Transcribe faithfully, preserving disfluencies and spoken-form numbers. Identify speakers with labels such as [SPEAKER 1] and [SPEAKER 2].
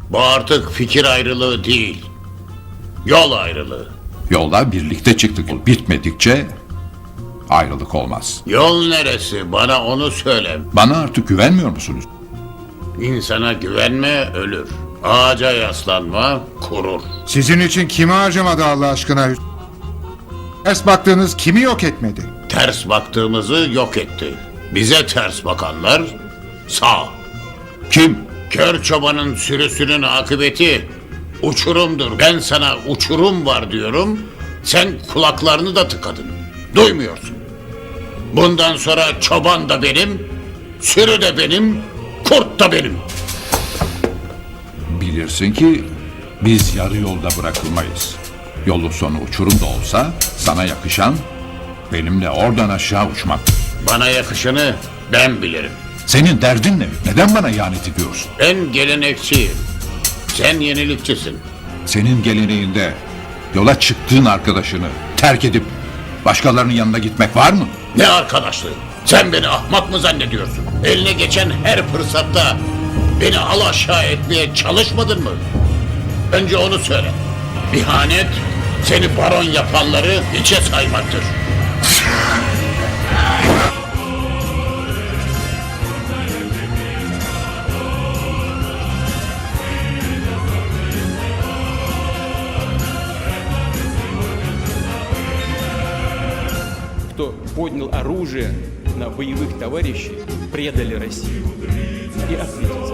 [SPEAKER 1] Bu artık fikir ayrılığı değil. Yol ayrılığı.
[SPEAKER 2] Yola birlikte çıktık. Yol bitmedikçe ayrılık olmaz.
[SPEAKER 1] Yol neresi? Bana onu söyle.
[SPEAKER 2] Bana artık güvenmiyor musunuz?
[SPEAKER 1] İnsana güvenme ölür. Ağaca yaslanma kurur.
[SPEAKER 3] Sizin için kimi harcamadı Allah aşkına? Ters baktığınız kimi yok etmedi?
[SPEAKER 1] Ters baktığımızı yok etti. Bize ters bakanlar sağ.
[SPEAKER 2] Kim?
[SPEAKER 1] Kör çobanın sürüsünün akıbeti uçurumdur. Ben sana uçurum var diyorum. Sen kulaklarını da tıkadın. Duymuyorsun. Bundan sonra çoban da benim, sürü de benim, kurt da benim.
[SPEAKER 2] Bilirsin ki biz yarı yolda bırakılmayız. Yolun sonu uçurum da olsa sana yakışan benimle oradan aşağı uçmak.
[SPEAKER 1] Bana yakışanı ben bilirim.
[SPEAKER 2] Senin derdin ne? Neden bana ihanet ediyorsun?
[SPEAKER 1] Ben gelenekçiyim. Sen yenilikçisin.
[SPEAKER 2] Senin geleneğinde yola çıktığın arkadaşını terk edip başkalarının yanına gitmek var mı?
[SPEAKER 1] Ne arkadaşlığı? Sen beni ahmak mı zannediyorsun? Eline geçen her fırsatta beni al aşağı etmeye çalışmadın mı? Önce onu söyle. İhanet seni baron yapanları hiçe saymaktır.
[SPEAKER 4] Кто поднял оружие на боевых товарищей, предали Россию и ответят.